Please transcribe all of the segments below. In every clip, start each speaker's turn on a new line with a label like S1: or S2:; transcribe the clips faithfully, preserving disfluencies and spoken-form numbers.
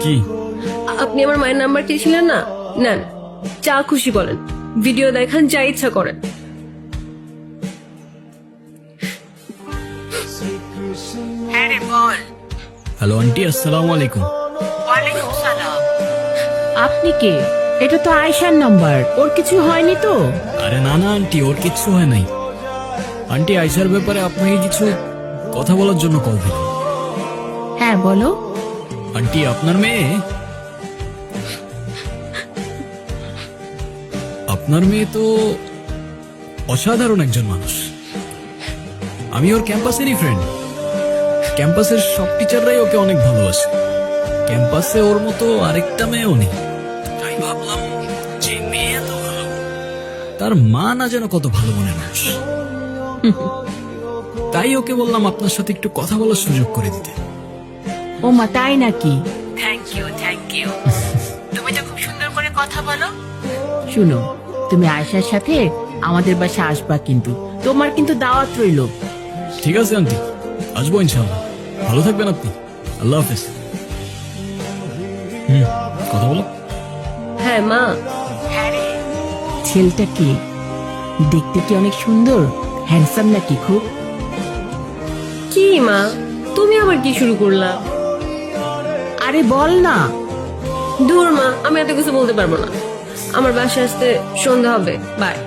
S1: কি?
S2: আপনি আমার মায়ের নাম্বার চেয়েছিলেন না, নেন, যা খুশি বলেন, ভিডিও দেখান, যা ইচ্ছা করেন।
S3: হ্যাঁ রে বল।
S1: হ্যালো আন্টি, আসসালামু আলাইকুম।
S3: ওয়ালাইকুম সালাম। আপনি কে? এটা তো আয়শার নাম্বার, ওর কিছু হয়নি তো?
S1: আরে না না আন্টি, ওর কিচ্ছু হয় নাই। আন্টি, আয়শার ব্যাপারে আপনাকে কিছু কথা বলার জন্য কল দিলাম।
S3: হ্যাঁ বলো।
S1: আন্টি, আপনার মেয়ে আপনার মেয়ে তো অসাধারণ একজন মানুষ। আমি ওর ক্যাম্পাসেরই ফ্রেন্ড। ক্যাম্পাসের সব টিচাররাই ওকে অনেক ভালোবাসে। ক্যাম্পাসে ওর মতো আরেকটা মেয়েও নেই। তাই ভাবলাম যে মেয়ে এত ভালো, তার মা না যেন কত ভালো মনের মানুষ। তাই ওকে বললাম আপনার সাথে একটু কথা বলার সুযোগ করে দিতে।
S3: ও মা, তাই নাকি? Thank you thank you. তুমি তো খুব সুন্দর করে কথা বলো। শুনো, তুমি আয়শার সাথে আমাদের বাসা আসবা, কিন্তু তোমার কিন্তু দাওয়াত রইল।
S1: ঠিক আছে আন্টি, আসবো ইনশাআল্লাহ। ভালো থাকবেন আপনি। আল্লাহ হাফেজ। হুম, কথা বলো।
S2: হ্যাঁ মা।
S3: হ্যাঁ রে, ছেলেটা কি দেখতে? কি অনেক সুন্দর, হ্যান্ডসাম নাকি খুব?
S2: কি মা, তুমি আবার কি শুরু করলা?
S3: আরে বল না।
S2: দূর মা, আমি এত কিছু বলতে পারবো না। আমার বাসায় আসতে সন্ধ্যা হবে, বাই।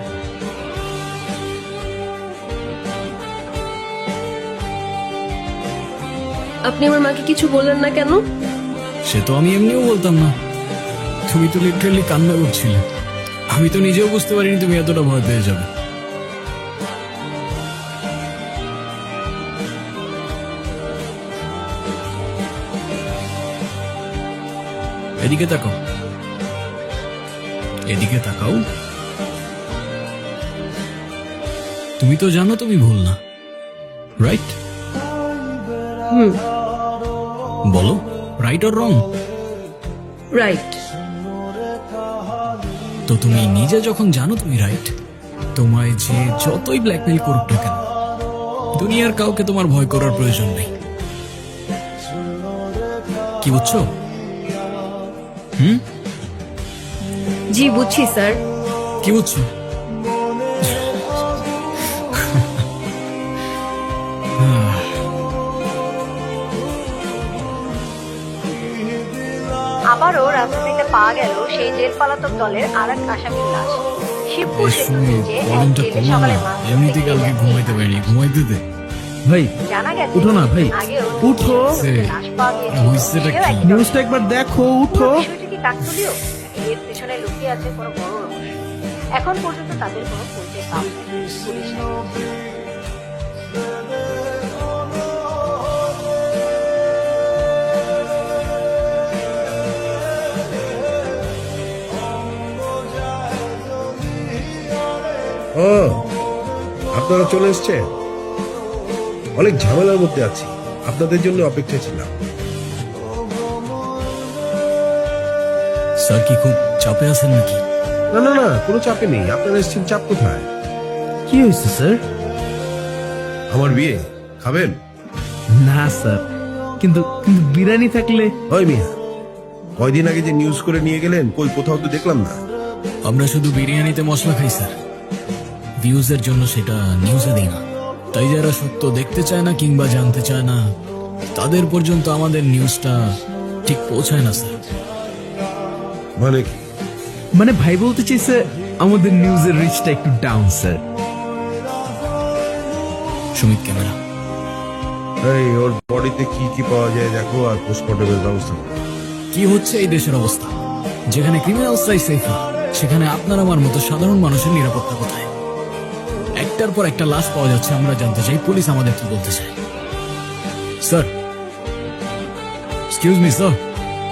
S2: আপনি আমার মাকে কিছু বললেন না কেন?
S1: সে তো আমি এমনিও বলতাম না। তুমি তো লিটারালি কান্না করছিলে। আমি তো নিজেও বুঝতে পারিনি তুমি এতটা ভয় পেয়ে যাবে। এদিকে তাকাও, এদিকে তাকাও। তুমি তো জানো তুমি ভুল না, রাইট?
S2: হুম,
S1: বলো, রাইট অর রং?
S2: রাইট।
S1: তো তুমি নিজে যখন জানো তুমি রাইট, তোমায় যে যতই ব্ল্যাকমেল করুক না কেন, দুনিয়ার কাউকে তোমার ভয় করার প্রয়োজন নেই। কি বুঝছো? হুম,
S2: জি বুঝছি স্যার।
S1: কি বুঝছো?
S4: আবারও রাজধানীতে পাওয়া গেল সেই জেল পলাতক দলের আর এক আসামির লাশ। শিবপুর সেতু ব্রিজে এক জেলে সকালে মাছ
S1: এমনিতে কালকে ঘুমাইতে পারিনি, ঘুমাইতে দে
S5: ভাই
S4: জানা গেছে
S5: উঠো না ভাই,
S4: আগেও
S5: উঠো।
S4: লাশ পাওয়া গিয়েছিল।
S1: হইছেটা
S4: সেও
S1: কি?
S4: এক
S5: নিউজটা একবার দেখো, উঠো।
S4: বিষয়টি কি কাকতালীয়? এর পেছনে লুকিয়ে আছে কোনো বড় রহস্য। এখন পর্যন্ত তাদের কোনো পরিচয় পাওয়া যায়নি পুলিশ।
S6: ও, আপনারা চলে এসছেন? অনেক ঝামেলার মধ্যে আছি, আপনাদের জন্য অপেক্ষায় ছিলাম।
S1: স্যার কি খুব চাপে আছেন নাকি?
S6: না না না, কোনো চাপে নেই। আপনারা এসছেন, চাপ কোথায়?
S5: কি হয়েছে স্যার?
S6: আমার বিয়ে খাবেন?
S5: না স্যার, কিন্তু কিন্তু বিরিয়ানি থাকলে।
S6: ওই মিয়া, কয়দিন আগে যে নিউজ করে নিয়ে গেলেন, কই কোথাও তো দেখলাম না।
S1: আমরা শুধু বিরিয়ানিতে মশলা খাই স্যার, ভিউজের জন্য সেটা নিউজে দিই না। তাই যারা সত্য দেখতে চায় না কিংবা জানতে চায় না, তাদের পর্যন্ত আমাদের নিউজটা ঠিক পৌঁছায় না স্যার।
S6: মানে কি?
S5: মানে ভাই বলতে চাইছে আমাদের নিউজের রিচটা একটু ডাউন স্যার।
S1: সুমিত ক্যামেরা।
S6: এই ওর বডিতে কি কি পাওয়া যায় দেখো, আর পোস্টমর্টমের ব্যবস্থা করো।
S1: কি হচ্ছে এই দেশের অবস্থা? যেখানে ক্রিমিনালসরাই সেফ না, সেখানে আপনার আমার মতো সাধারণ মানুষের নিরাপত্তা কোথায়? একটার পর একটা লাশ পাওয়া যাচ্ছে, আমরা জানতে চাই পুলিশ আমাদের কি বলতে চায়। Sir, excuse me sir.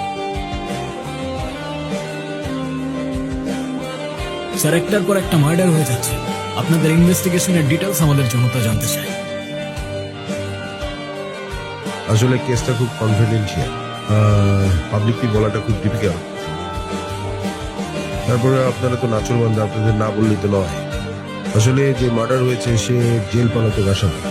S1: Sir, একটার পর একটা মার্ডার হয়ে যাচ্ছে, আপনাদের ইনভেস্টিগেশনের ডিটেলস আমাদের জনতা জানতে চায়।
S6: আসলে কেসটা খুব কনফিডেন্সিয়াল, পাবলিকলি বলাটা খুব ডিফিকাল্ট। তারপরে আপনারা তো নাচরবান্ধা, আপনাদের না বললে তো নয়। আসলে যে মার্ডার হয়েছে সে জেল পালাতক আসামি।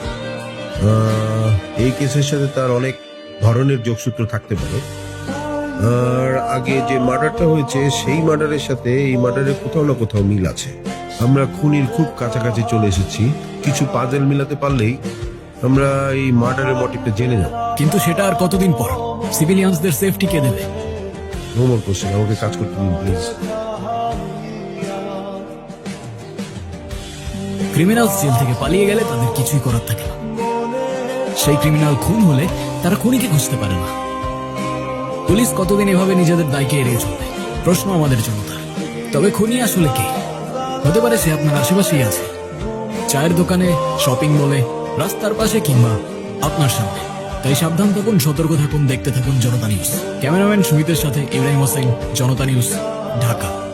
S6: এই কেসের সাথে তার অনেক ধরনের যোগসূত্র থাকতে পারে, আর আগে যে মার্ডারটা হয়েছে সেই মার্ডারের সাথে এই মার্ডারের কোথাও না কোথাও মিল আছে। আমরা খুনির খুব কাছাকাছি চলে এসেছি। কিছু পাজেল মিলাতে পারলেই আমরা এই মার্ডারের মোটিভটা জেনে যাব।
S1: কিন্তু সেটা আর কতদিন পর? সিভিলিয়ানসদের সেফটি কে দেবে?
S6: নো মোর কোশ্চেন, আমাকে কাজ করতে দিন প্লিজ।
S1: ক্রিমিনাল জেল থেকে পালিয়ে গেলে তাদের কিছুই করার থাকে না। সেই ক্রিমিনাল খুন হলে তারা খুনিকে খুঁজতে পারে না। পুলিশ কতদিন এভাবে নিজেদের দায়কে এড়িয়ে চলবে? প্রশ্ন আমাদের জনতার। তবে খুনি আসলে কে? হতে পারে সে আপনার আশেপাশেই আছে, চায়ের দোকানে, শপিং মলে, রাস্তার পাশে কিংবা আপনার সামনে। তাই সাবধান থাকুন, সতর্ক থাকুন, দেখতে থাকুন জনতা নিউজ। ক্যামেরাম্যান সুমিতের সাথে ইব্রাহিম হোসেন, জনতা নিউজ, ঢাকা।